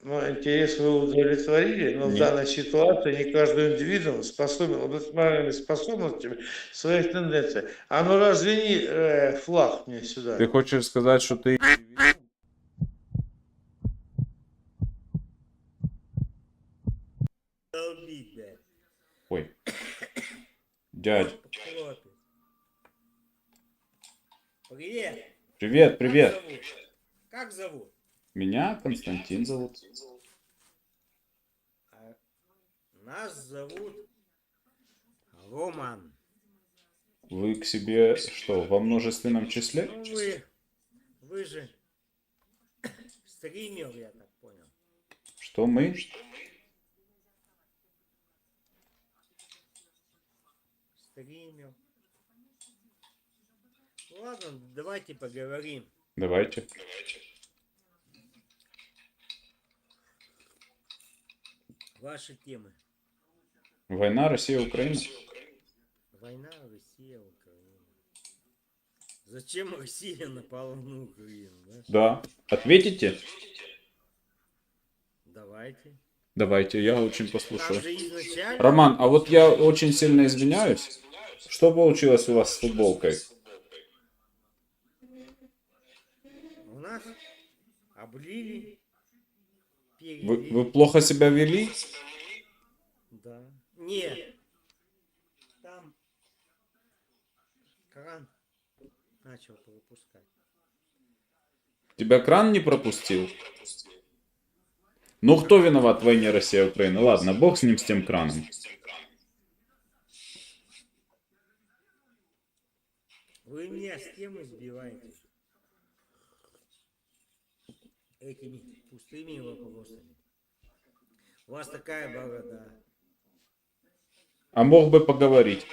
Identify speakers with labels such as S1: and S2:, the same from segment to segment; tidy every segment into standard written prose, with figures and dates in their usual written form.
S1: Ну, интерес вы удовлетворили, но в
S2: Нет.
S1: данной ситуации не каждый индивидуум способен обладать моральными способностями своих тенденций. А ну развени флаг мне
S2: Ты
S1: сюда.
S2: хочешь сказать, что ты...
S3: Долбить, блядь.
S2: Ой, дядь.
S3: Хлопец. Привет.
S2: Привет,
S3: Как
S2: привет.
S3: зовут? Как зовут?
S2: Меня Константин зовут.
S3: А нас зовут Роман.
S2: Вы к себе что, во множественном числе?
S3: Ну вы же стример, я так понял.
S2: Что мы?
S3: Стример. Ладно, давайте поговорим.
S2: Давайте.
S3: Ваши темы.
S2: Война, Россия, Украина.
S3: Война, Россия, Украина. Зачем Россия напала на Украину, да?
S2: Да. Ответите?
S3: Давайте.
S2: Давайте, я очень
S3: Там
S2: послушаю.
S3: же изначально
S2: Роман, а вот я очень сильно извиняюсь. Что получилось у вас с футболкой?
S3: у нас облили,
S2: Вы
S3: перелили.
S2: плохо себя вели?
S3: Да. Нет. Там кран начал пропускать.
S2: Тебя кран не пропустил? Ну, кто виноват в войне Россия-Украина? Ладно, бог с ним, с тем краном.
S3: Вы меня с темы сбиваете. Этими пустыми вопросами. У вас такая борода.
S2: А мог бы поговорить.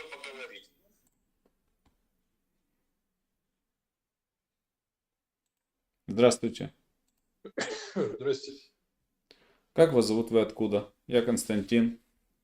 S2: Здравствуйте.
S4: Здрасте.
S2: Как вас зовут, вы откуда? Я Константин.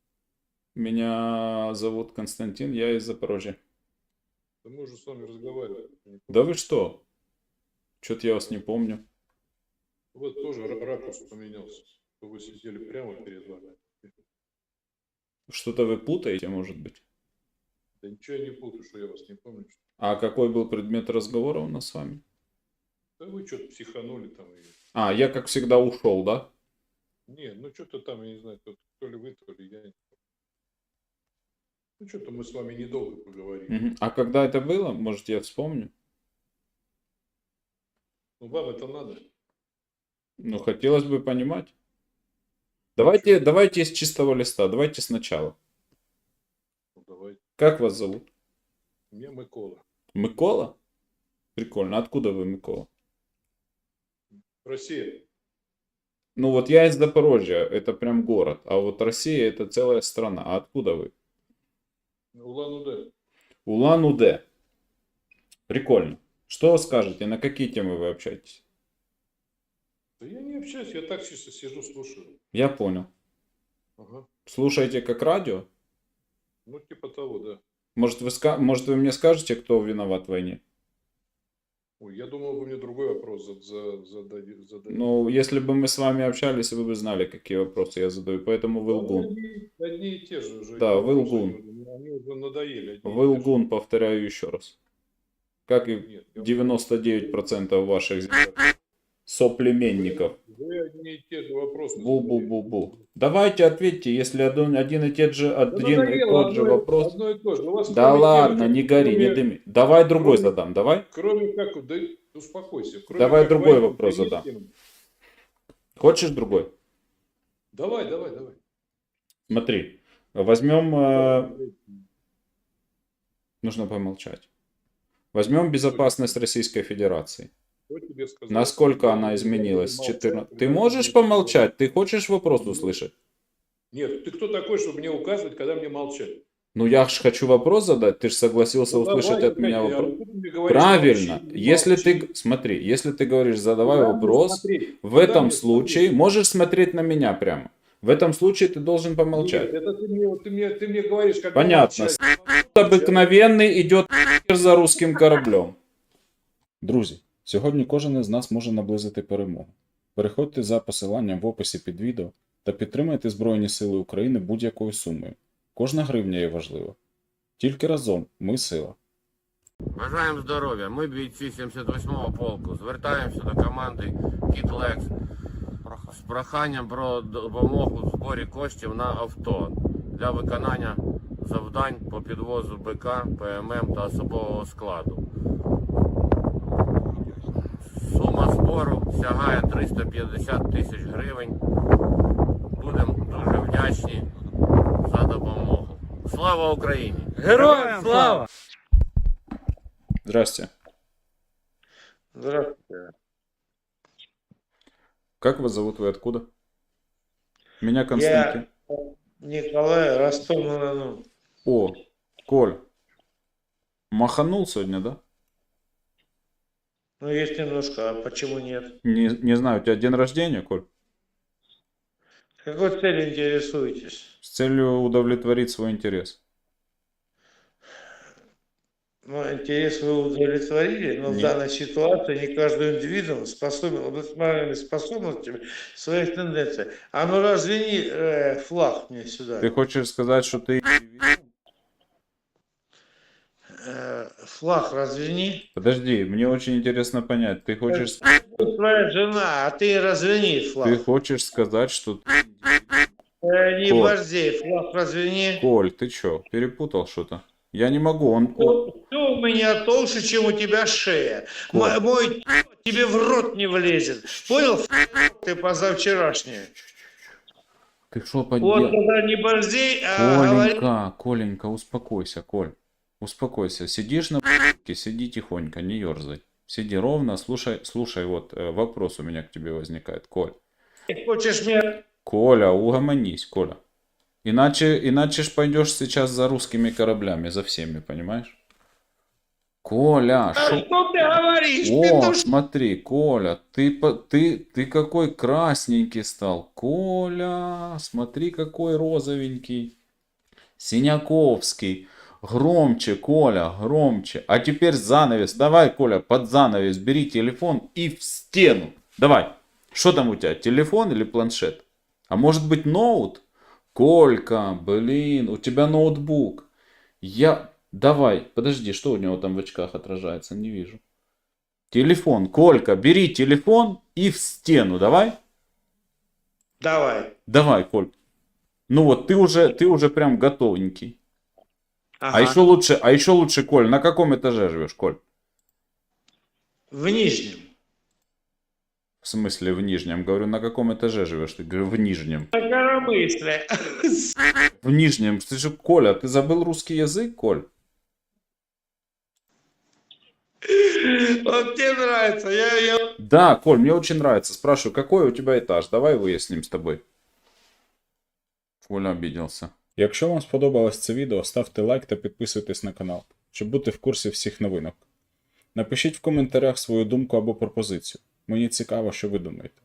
S2: Меня зовут Константин, я из Запорожья.
S4: Да мы уже с вами разговаривали.
S2: Да вы что? Что-то я вас не помню.
S4: Вот тоже ракурс поменялся. Вы сидели прямо перед вами.
S2: Что-то вы путаете, может быть?
S4: Да ничего я не путаю, что я вас не помню.
S2: А какой был предмет разговора у нас с вами?
S4: Да вы что-то психанули там.
S2: А, я как всегда ушел, да?
S4: Не, ну что-то там, я не знаю, то ли вы, то ли я. Ну что-то мы с вами недолго поговорили.
S2: Мгм. А когда это было? Может, я вспомню?
S4: Ну вам это надо.
S2: Ну, хотелось бы понимать. Давайте с чистого листа, давайте сначала.
S4: Ну давайте.
S2: Как вас зовут?
S4: Меня Микола.
S2: Микола? Прикольно. Откуда вы, Микола?
S4: Россия.
S2: Ну вот я из Запорожья, это прям город. А вот Россия это целая страна. А откуда вы?
S4: Улан-Удэ.
S2: Улан-Удэ. Прикольно. Что скажете, на какие темы вы общаетесь?
S4: Да я не общаюсь, я так чисто сижу, слушаю.
S2: Я понял.
S4: Ага.
S2: Слушаете как радио?
S4: Ну типа того, да.
S2: Может вы мне скажете, кто виноват в войне?
S4: Ой, я думал, вы мне другой вопрос зададите.
S2: Ну, если бы мы с вами общались, вы бы знали, какие вопросы я задаю. Поэтому вы лгун.
S4: Одни и те же уже.
S2: Да, вы
S4: вопросы,
S2: лгун.
S4: Они уже надоели.
S2: Вы лгун, повторяю еще раз. Как и
S4: Нет,
S2: 99% ваших соплеменников.
S4: Вы одни и те же вопросы.
S2: Бу-бу-бу-бу. Давайте ответьте, если один и тот же вопрос.
S4: Одно и то же. У вас
S2: Да
S4: кроме
S2: ладно,
S4: темы,
S2: не гори, не
S4: кроме-
S2: дыми. Давай другой
S4: кроме-
S2: задам, давай.
S4: Кроме как, да успокойся. Кроме
S2: Давай
S4: как
S2: другой
S4: войны,
S2: вопрос
S4: есть
S2: задам.
S4: тема?
S2: Хочешь другой?
S4: Давай.
S2: Смотри, возьмем... Нужно помолчать. Возьмем безопасность Российской Федерации.
S4: Кто тебе сказал,
S2: Насколько
S4: что
S2: она
S4: я
S2: изменилась с
S4: молчать,
S2: 14...
S4: когда
S2: Ты
S4: я
S2: можешь
S4: не-
S2: помолчать? Ты хочешь вопрос услышать?
S4: Нет, ты кто такой, чтобы мне указывать, когда мне молчать?
S2: Ну я ж хочу вопрос задать, ты же согласился
S4: Ну,
S2: услышать
S4: давай,
S2: от меня
S4: блядь,
S2: вопрос.
S4: а ты мне говоришь,
S2: Правильно.
S4: молчи,
S2: Если
S4: молчи.
S2: ты, смотри, если ты говоришь, задавай
S4: Куда мне
S2: вопрос,
S4: смотреть?
S2: в
S4: Куда
S2: этом
S4: мне
S2: случае
S4: смотреть?
S2: можешь смотреть на меня прямо. В этом случае ты должен помолчать.
S4: Нет, это ты мне говоришь, как
S2: Понятно. Обикновенний идет за русським кораблем. Друзі, сьогодні кожен із нас може наблизити перемогу. Переходьте за посиланням в описі під відео та підтримайте Збройні Сили України будь-якою сумою. Кожна гривня є важлива. Тільки разом ми сила.
S5: Бажаємо здоров'я. Ми бійці 78-го полку. Звертаємося до команди Кіт Лекс з проханням про допомогу в зборі коштів на авто для виконання завдань по підвозу БК, ПММ та особового складу. Сума збору сягає 350 тисяч гривень. Будемо дуже вдячні за допомогу. Слава Україні!
S3: Героям слава!
S2: Здрасте.
S1: Здравствуйте.
S2: Как вас зовут, вы откуда? Меня Константин.
S1: Я Николай, Ростов-на-Дону.
S2: О, Коль. Маханул сегодня, да?
S1: Ну, есть немножко, а почему нет?
S2: Не знаю, у тебя день рождения, Коль?
S1: Какой целью интересуетесь?
S2: С целью удовлетворить свой интерес.
S1: Ну, интерес вы удовлетворили, но в
S2: Нет.
S1: данной ситуации не каждый индивидуум способен обладать моральными способностями своих тенденций. А ну развени флаг мне сюда.
S2: Ты хочешь сказать, что ты...
S1: Флаг развени.
S2: Подожди, мне очень интересно понять. Ты хочешь...
S1: Твоя жена, а ты развени флаг.
S2: Ты хочешь сказать, что...
S1: Не
S2: Коль.
S1: борзей, флаг развени.
S2: Коль, ты чё, перепутал что-то? Я не могу, он...
S1: Все у меня толще, чем у тебя шея.
S2: Коль.
S1: Мой тебе в рот не влезет. Понял? Ты позавчерашняя.
S2: Ты что
S1: Вот
S2: поделал?
S1: когда не борзей, а говори.
S2: Коленька, успокойся, Коль. Успокойся. Сидишь на сиди тихонько, не ерзай. Сиди ровно, слушай, вот вопрос у меня к тебе возникает, Коль.
S1: Хочешь меня...
S2: Коля, угомонись, Коля. Иначе ж пойдешь сейчас за русскими кораблями, за всеми, понимаешь? Коля,
S1: А
S2: шо...
S1: что ты говоришь?
S2: О,
S1: Петушок?
S2: смотри, Коля, ты какой красненький стал. Коля, смотри, какой розовенький. Синяковский. Громче, Коля, громче. А теперь занавес. Давай, Коля, под занавес бери телефон и в стену. Давай. Что там у тебя, телефон или планшет? А может быть ноут? Колька, блин, у тебя ноутбук. Давай, подожди, что у него там в очках отражается? Не вижу. Телефон, Колька, бери телефон и в стену, давай.
S1: Давай.
S2: Давай, Коль. Ну вот, ты уже прям готовенький.
S1: Ага.
S2: А еще лучше, Коль, на каком этаже живешь, Коль?
S1: В нижнем.
S2: В смысле в нижнем? Говорю, на каком этаже живешь? Ты говорю, в нижнем.
S1: На коромысле.
S2: В нижнем. Ты же, Коля, ты забыл русский язык, Коль?
S1: Вот тебе нравится. Я...
S2: Да, Коль, мне очень нравится. Спрашиваю, какой у тебя этаж? Давай выясним с тобой. Коля обиделся. Якщо вам сподобалось це відео, ставте лайк та підписуйтесь на канал, щоб бути в курсі всіх новинок. Напишіть в коментарях свою думку або пропозицію. Мені цікаво, що ви думаєте.